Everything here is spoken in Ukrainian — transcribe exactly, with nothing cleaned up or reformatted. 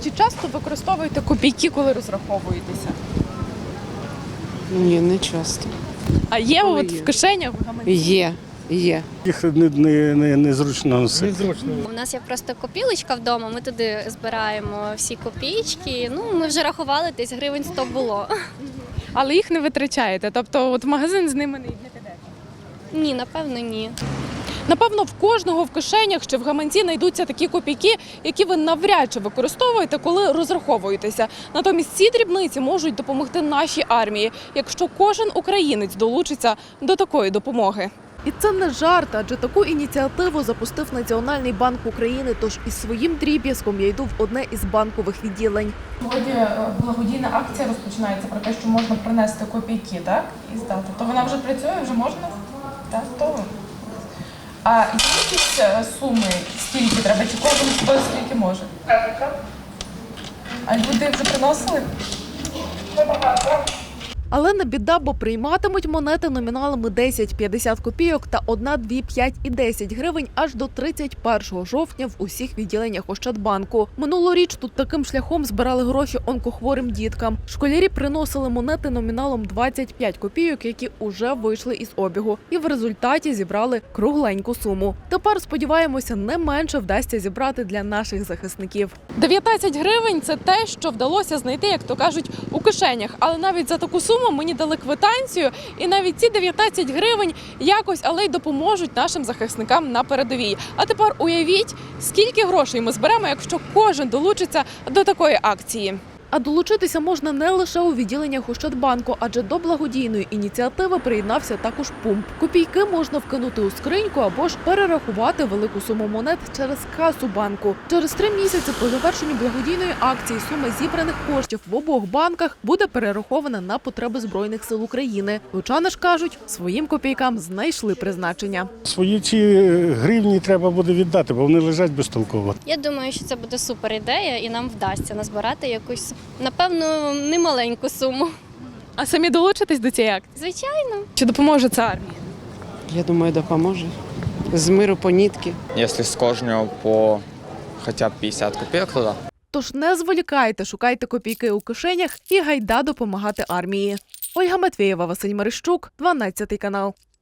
Чи часто використовуєте копійки, коли розраховуєтеся? Ні, не часто. А є Коли от є? в кишенях, в гаманці? Є, є. Їх не, не, не, незручно носити. У нас є просто копілочка вдома, ми туди збираємо всі копійки. Ну, ми вже рахували, десь гривень сто було. Але їх не витрачаєте, тобто от в магазин з ними не підете? Ні, напевно, ні. Напевно, в кожного в кишенях чи в гаманці знайдуться такі копійки, які ви навряд чи використовуєте, коли розраховуєтеся. Натомість ці дрібниці можуть допомогти нашій армії, якщо кожен українець долучиться до такої допомоги. І це не жарт, адже таку ініціативу запустив Національний банк України, тож із своїм дріб'язком я йду в одне із банкових відділень. Сьогодні благодійна акція розпочинається про те, що можна принести копійки, так, і здати. То вона вже працює, вже можна? Так, то. А є якісь суми, скільки треба, чи кожен хто скільки може? А люди вже приносили? Але не біда, бо прийматимуть монети номіналами десять, п'ятдесят копійок та одна, дві, п'ять і десять гривень аж до тридцять першого жовтня в усіх відділеннях Ощадбанку. Минулоріч тут таким шляхом збирали гроші онкохворим діткам. Школярі приносили монети номіналом двадцять п'ять копійок, які уже вийшли із обігу. І в результаті зібрали кругленьку суму. Тепер, сподіваємося, не менше вдасться зібрати для наших захисників. дев'ятнадцять гривень – це те, що вдалося знайти, як то кажуть, у кишенях. Але навіть за таку суму мені дали квитанцію, і навіть ці дев'ятнадцять гривень якось, але й допоможуть нашим захисникам на передовій. А тепер уявіть, скільки грошей ми зберемо, якщо кожен долучиться до такої акції. А долучитися можна не лише у відділеннях Ощадбанку, адже до благодійної ініціативи приєднався також пумп. Копійки можна вкинути у скриньку або ж перерахувати велику суму монет через касу банку. Через три місяці по завершенню благодійної акції сума зібраних коштів в обох банках буде перерахована на потреби Збройних сил України. Лучани ж кажуть, своїм копійкам знайшли призначення. Свої ці гривні треба буде віддати, бо вони лежать безтолково. Я думаю, що це буде супер ідея і нам вдасться назбирати якусь, напевно, немаленьку суму. А самі долучитесь до цієї акції? Звичайно. Чи допоможе це армії? Я думаю, допоможе. З миру по нитки. Якщо з кожного по хоча б п'ятдесят копійок, то да. Тож не зволікайте, шукайте копійки у кишенях і гайда допомагати армії. Ольга Матвєєва, Василь Марищук, дванадцятий канал.